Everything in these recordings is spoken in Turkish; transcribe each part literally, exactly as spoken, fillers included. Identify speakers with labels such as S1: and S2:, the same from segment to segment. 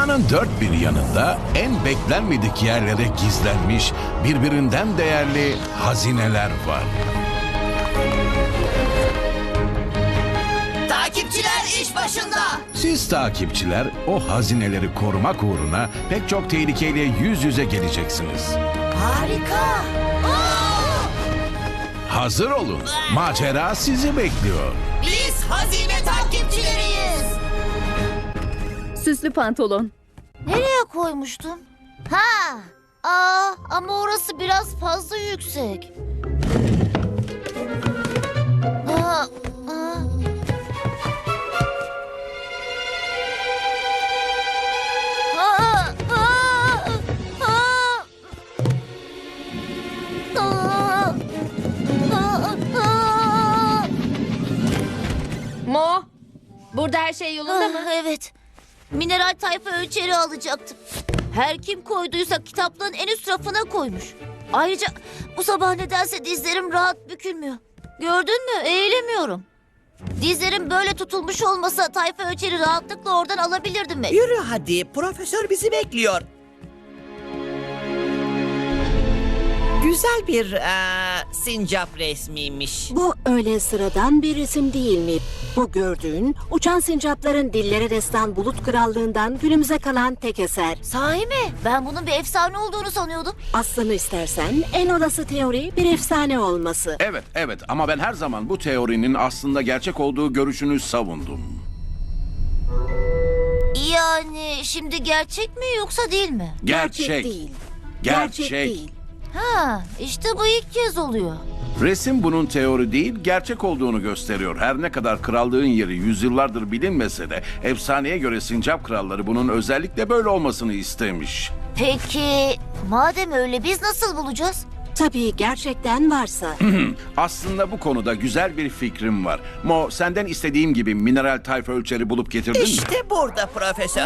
S1: Dünyanın dört bir yanında en beklenmedik yerlere gizlenmiş birbirinden değerli hazineler var.
S2: Takipçiler iş başında.
S1: Siz takipçiler o hazineleri korumak uğruna pek çok tehlikeyle yüz yüze geleceksiniz.
S2: Harika. Aa!
S1: Hazır olun. Macera sizi bekliyor.
S2: Biz hazine takipçileriyiz.
S3: Süslü pantolon.
S2: Nereye koymuştum? Ha. Aa, ama orası biraz fazla yüksek. Aa, aa. Aa, aa, aa. Aa, aa, aa.
S3: Mo, burada her şey yolunda mı?
S2: Ah, evet. Mineral tayfa ölçeri alacaktım. Her kim koyduysa kitaplığın en üst rafına koymuş. Ayrıca bu sabah nedense dizlerim rahat bükülmüyor. Gördün mü? Eğilemiyorum. Dizlerim böyle tutulmuş olmasa tayfa ölçeri rahatlıkla oradan alabilirdim mi?
S4: Yürü hadi, profesör bizi bekliyor. Güzel bir eee, sincap resmiymiş.
S5: Bu öyle sıradan bir resim değil mi? Bu gördüğün uçan sincapların dillere destan bulut krallığından günümüze kalan tek eser.
S2: Sahi mi? Ben bunun bir efsane olduğunu sanıyordum.
S5: Aslını istersen en olası teori bir efsane olması.
S1: Evet, evet ama ben her zaman bu teorinin aslında gerçek olduğu görüşünü savundum.
S2: Yani şimdi gerçek mi yoksa değil mi?
S1: Gerçek.
S5: değil.
S1: Gerçek.
S5: değil.
S2: Ha, işte bu ilk kez oluyor.
S1: Resim bunun teori değil, gerçek olduğunu gösteriyor. Her ne kadar krallığın yeri yüzyıllardır bilinmese de efsaneye göre sincap kralları bunun özellikle böyle olmasını istemiş.
S2: Peki madem öyle biz nasıl bulacağız?
S5: Tabii gerçekten varsa.
S1: Aslında bu konuda güzel bir fikrim var. Mo, senden istediğim gibi mineral tayfa ölçeri bulup getirdin mi?
S4: İşte burada profesör.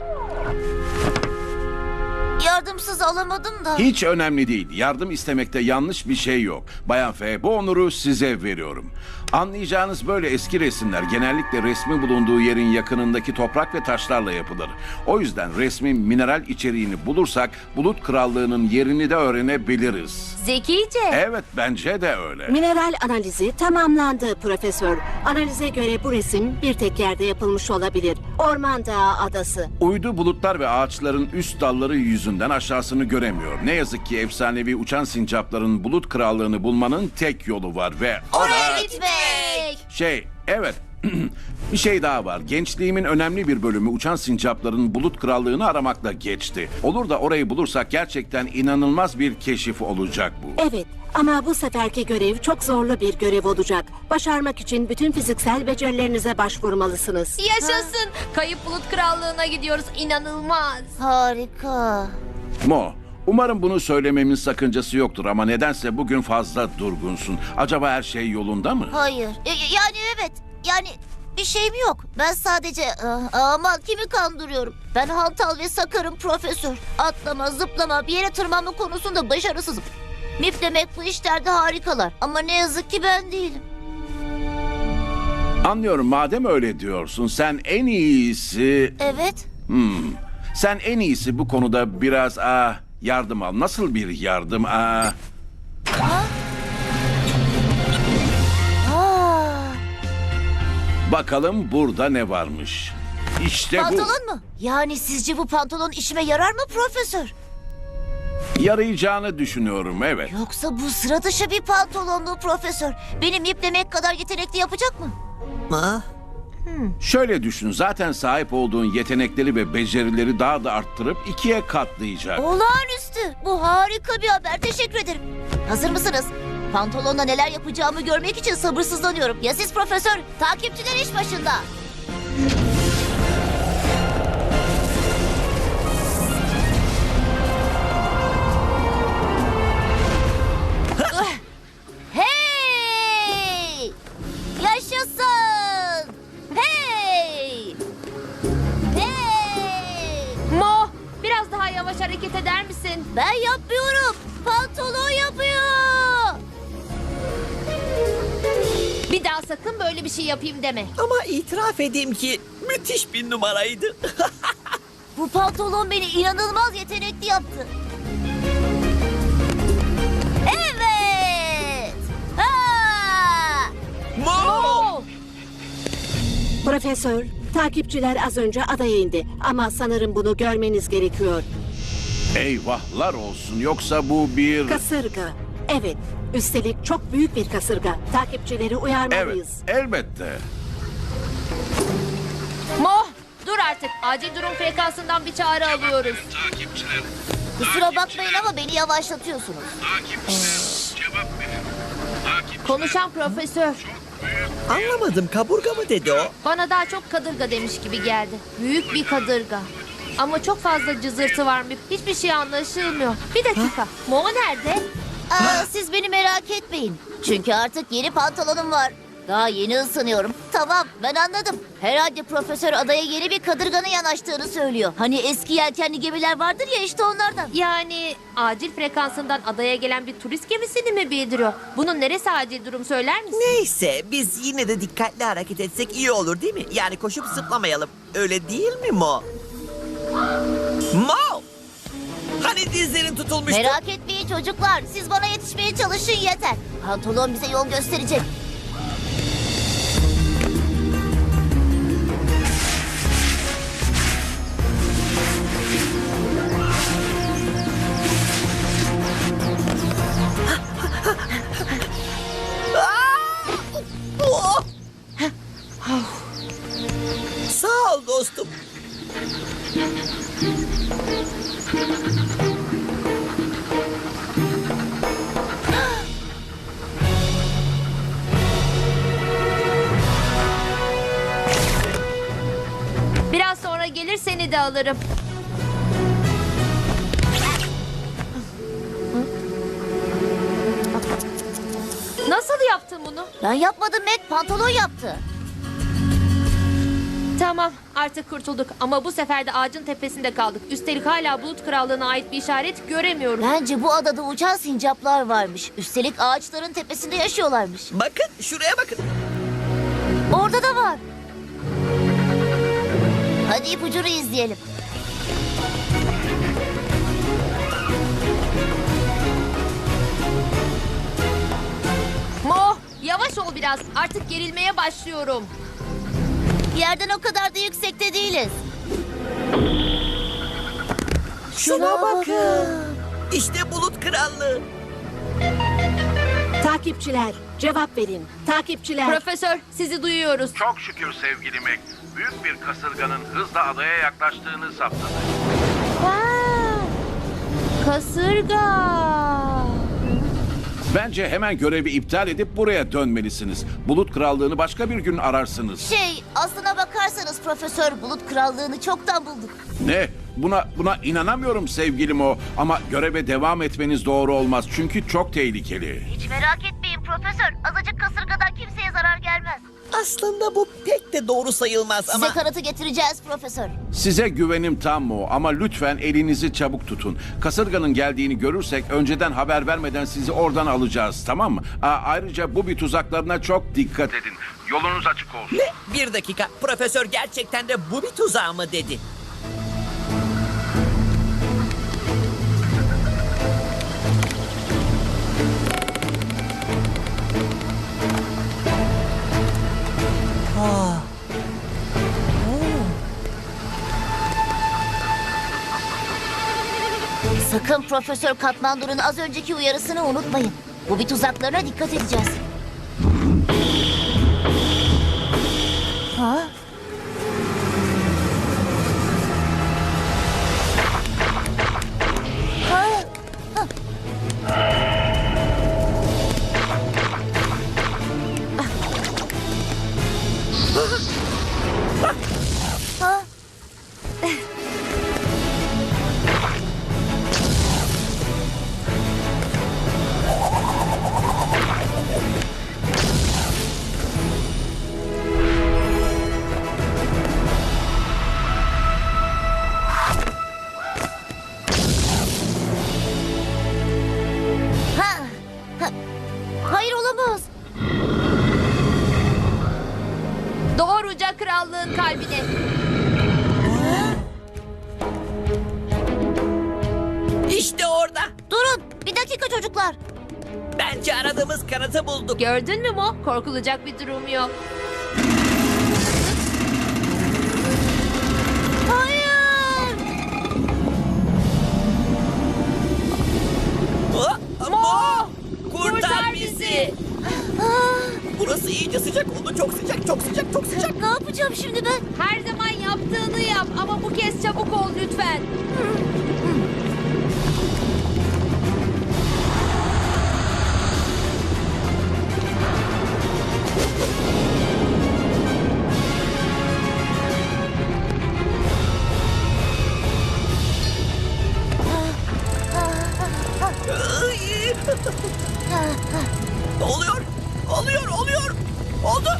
S2: Yardımsız alamadım da.
S1: Hiç önemli değil. Yardım istemekte yanlış bir şey yok. Bayan F, bu onuru size veriyorum. Anlayacağınız böyle eski resimler genellikle resmi bulunduğu yerin yakınındaki toprak ve taşlarla yapılır. O yüzden resmin mineral içeriğini bulursak Bulut Krallığı'nın yerini de öğrenebiliriz.
S3: Zekice.
S1: Evet, bence de öyle.
S5: Mineral analizi tamamlandı profesör. Analize göre bu resim bir tek yerde yapılmış olabilir. Orman Dağı Adası.
S1: Uydu bulutlar ve ağaçların üst dalları yüzünden aşağısını göremiyor. Ne yazık ki efsanevi uçan sincapların Bulut Krallığı'nı bulmanın tek yolu var ve...
S2: Oraya gitmek.
S1: Şey, evet. Bir şey daha var. Gençliğimin önemli bir bölümü uçan sincapların Bulut Krallığı'nı aramakla geçti. Olur da orayı bulursak gerçekten inanılmaz bir keşif olacak bu.
S5: Evet ama bu seferki görev çok zorlu bir görev olacak. Başarmak için bütün fiziksel becerilerinize başvurmalısınız.
S3: Yaşasın. Kayıp Bulut Krallığı'na gidiyoruz. İnanılmaz.
S2: Harika.
S1: Mo, umarım bunu söylememin sakıncası yoktur ama nedense bugün fazla durgunsun. Acaba her şey yolunda mı?
S2: Hayır. E, yani evet. Yani bir şeyim yok. Ben sadece ah, aman kimi kandırıyorum. Ben hantal ve sakarım profesör. Atlama, zıplama, bir yere tırmanma konusunda başarısızım. Mip demek bu işlerde harikalar. Ama ne yazık ki ben değilim.
S1: Anlıyorum, madem öyle diyorsun sen en iyisi...
S2: Evet.
S1: Hmm, sen en iyisi bu konuda biraz ah, yardım al. Nasıl bir yardım? Ah,
S2: Aa.
S1: bakalım burada ne varmış. İşte bu.
S2: Pantolon mu? Yani sizce bu pantolon işime yarar mı profesör?
S1: Yarayacağını düşünüyorum, evet.
S2: Yoksa bu sıra dışı bir pantolon mu profesör? Benim ip demek kadar yetenekli yapacak mı?
S4: Ha?
S1: Şöyle düşün, zaten sahip olduğun yetenekleri ve becerileri daha da arttırıp ikiye katlayacak.
S2: Olağanüstü. Bu harika bir haber. Teşekkür ederim. Hazır mısınız? Pantolonla neler yapacağımı görmek için sabırsızlanıyorum. Ya siz profesör? Takipçiler iş başında. Hey! Yaşasın! Hey! Hey!
S3: Mo, biraz daha yavaş hareket eder misin?
S2: Ben yapmıyorum. Pantolon yapıyor.
S3: Bir daha sakın böyle bir şey yapayım deme.
S4: Ama itiraf edeyim ki müthiş bir numaraydı.
S2: Bu pantolon beni inanılmaz yetenekli yaptı. Evet. Ha!
S4: Mo!
S5: Profesör, takipçiler az önce adaya indi. Ama sanırım bunu görmeniz gerekiyor.
S1: Eyvahlar olsun, yoksa bu bir...
S5: Kasırga. Evet, üstelik çok büyük bir kasırga. Takipçileri
S1: Evet,
S5: uyarmalıyız.
S1: elbette.
S3: Mo, dur artık. Acil durum frekansından bir çağrı alıyoruz.
S1: Takipçiler,
S2: Kusura bakmayın ama beni yavaşlatıyorsunuz.
S1: takipçiler, cevap verin. Takip...
S3: Konuşan profesör.
S4: Anlamadım, kaburga mı dedi o?
S3: Bana daha çok kadırga demiş gibi geldi. Büyük bir kadırga. Ama çok fazla cızırtı var mı? Hiçbir şey anlaşılmıyor. Bir dakika. Mo nerede?
S2: Aa, siz beni merak etmeyin. Çünkü artık yeni pantolonum var. Daha yeni ısınıyorum. Tamam, ben anladım. Herhalde profesör adaya yeni bir kadırganın yanaştığını söylüyor. Hani eski yelkenli gemiler vardır ya, işte onlardan.
S3: Yani acil frekansından adaya gelen bir turist gemisini mi bildiriyor? Bunun neresi acil durum söyler misin?
S4: Neyse, biz yine de dikkatli hareket etsek iyi olur değil mi? Yani koşup zıplamayalım. Öyle değil mi Mo? Mo! Hani dizlerin tutulmuştu?
S2: Merak etmeyin çocuklar. Siz bana yetişmeye çalışın yeter. Pantolon bize yol gösterecek.
S4: Oh! Sağ ol dostum.
S3: Biraz sonra gelir seni de alırım. Nasıl yaptın bunu?
S2: Ben yapmadım Mac, pantolon yaptı.
S3: Tamam, artık kurtulduk ama bu sefer de ağacın tepesinde kaldık. Üstelik hala Bulut Krallığı'na ait bir işaret göremiyorum.
S2: Bence bu adada uçan sincaplar varmış. Üstelik ağaçların tepesinde yaşıyorlarmış.
S4: Bakın, şuraya bakın.
S2: Orada da var. Hadi ipucunu izleyelim.
S3: Mo, yavaş ol biraz. Artık gerilmeye başlıyorum.
S2: Yerden o kadar da yüksekte değiliz.
S4: Şuna bakın. İşte Bulut Krallığı.
S5: Takipçiler, cevap verin. Takipçiler.
S3: Profesör, sizi duyuyoruz.
S1: Çok şükür sevgili Mac. Büyük bir kasırganın hızla adaya yaklaştığını saptadı.
S3: Vay, kasırga.
S1: Bence hemen görevi iptal edip buraya dönmelisiniz. Bulut Krallığı'nı başka bir gün ararsınız.
S2: Şey, aslına bakarsanız Profesör Bulut Krallığı'nı çoktan bulduk.
S1: Ne? Buna buna inanamıyorum sevgilim o. Ama göreve devam etmeniz doğru olmaz. Çünkü çok tehlikeli.
S2: Hiç merak etmeyin Profesör. Azıcık kasırgadan kimseye zarar gelmez.
S4: Aslında bu pek de doğru sayılmaz
S2: Size
S4: ama...
S2: kanıtı getireceğiz Profesör.
S1: Size güvenim tam o, ama lütfen elinizi çabuk tutun. Kasırganın geldiğini görürsek önceden haber vermeden sizi oradan alacağız, tamam mı? Aa, ayrıca bu bir tuzaklarına çok dikkat edin. Yolunuz açık olsun.
S4: Ne? Bir dakika, profesör gerçekten de bu bir tuzağı mı dedi?
S2: Sakın Profesör Katmandu'nun az önceki uyarısını unutmayın. Bu bir tuzaklarına dikkat edeceğiz. Ha? Ha? Ha? Ha? Bir dakika çocuklar.
S4: Bence aradığımız kanıtı bulduk.
S3: Gördün mü Mo? Korkulacak bir durum yok.
S2: Hayır.
S4: Aa, Mo! Kurtar,
S3: Kurtar
S4: bizi.
S3: bizi.
S4: Burası iyice sıcak oldu. Çok sıcak, çok sıcak, çok sıcak.
S2: Ne yapacağım şimdi ben?
S3: Her zaman yaptığını yap ama bu kez çabuk ol lütfen.
S4: Ay! oluyor, oluyor, oluyor. Oldu.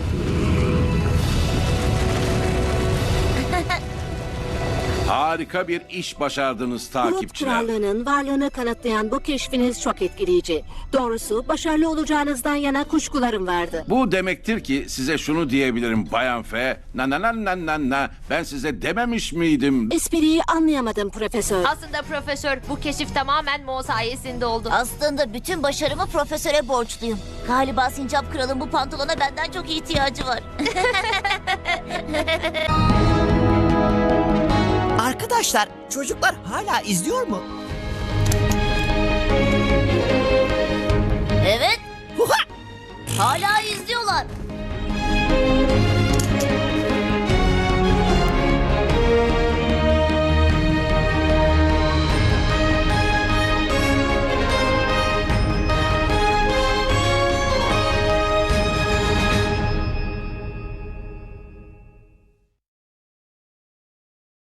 S1: Harika bir iş başardınız
S5: Bulut
S1: takipçiler.
S5: Krallığı'nın varlığını kanıtlayan bu keşfiniz çok etkileyici. Doğrusu başarılı olacağınızdan yana kuşkularım vardı.
S1: Bu demektir ki size şunu diyebilirim Bayan F. Na na na na na na. Ben size dememiş miydim?
S5: Espriyi anlayamadım profesör.
S3: Aslında profesör bu keşif tamamen Mo sayesinde oldu.
S2: Aslında bütün başarımı profesöre borçluyum. Galiba Sincap Kral'ın bu pantolona benden çok ihtiyacı var.
S4: Arkadaşlar, çocuklar hala izliyor mu?
S2: Evet,
S4: Huha!
S2: hala izliyorlar.